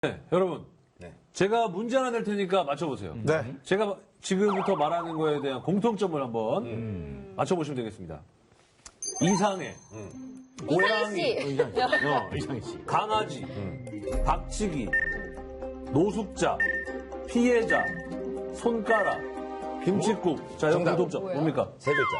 네, 여러분. 네. 제가 문제 하나 낼 테니까 맞춰보세요. 네. 제가 지금부터 말하는 거에 대한 공통점을 한번 맞춰보시면 되겠습니다. 이상해. 고양이. 이상희 씨. 강아지. 박치기. 노숙자. 피해자. 손가락. 김칫국. 자, 여기 정답. 공통점. 뭡니까? 세 글자.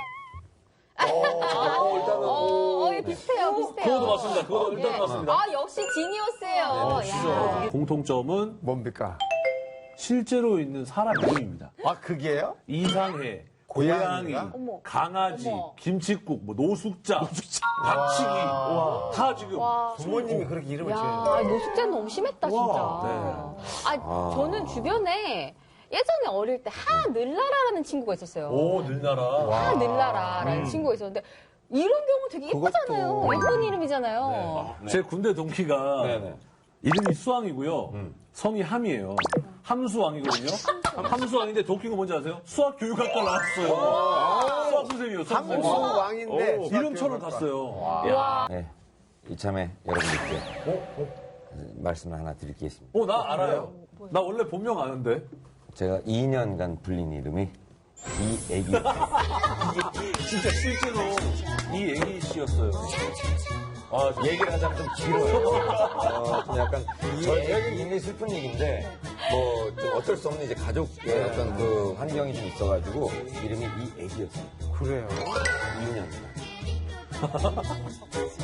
비슷해요. 그것도 맞습니다. 그것도 일단 맞습니다. 아, 역시 지니어스예요. 야. 공통점은 뭡니까? 실제로 있는 사람 이름입니다. 아, 그게요? 이상해. 고양이, 고양이가? 강아지, 어머. 김칫국, 뭐 노숙자, 박치기, 다 지금. 부모님이 그렇게 이름을 야, 지어요. 노숙자는 너무 심했다, 진짜. 네. 저는 주변에 예전에 어릴 때 하늘나라라는 친구가 있었어요. 오, 늘나라. 하늘나라라는 친구가 있었는데 이런 경우 되게 예쁘잖아요. 예쁜 이름이잖아요. 제 군대 동기가 네네. 이름이 수왕이고요. 성이 함이에요. 함수왕이거든요. 함수왕인데 더 웃긴 거 뭔지 아세요? 수학 교육학과 나왔어요. 수학 선생님이요. 수학 선생님. 함수 왕인데 이름처럼 갔어요. 네. 이참에 여러분들께 말씀을 하나 드리겠습니다. 나 알아요. 나 원래 본명 아는데. 제가 2년간 불린 이름이 이애기였어요. 진짜 실제로 이 애기 씨였어요. 얘기를 하자면 좀 길어요. 좀 약간 저에게 굉장히 슬픈 얘기인데 뭐 좀 어쩔 수 없는 이제 가족의 어떤 그 환경이 좀 있어가지고 이름이 이애기였어요. 그래요. 2년.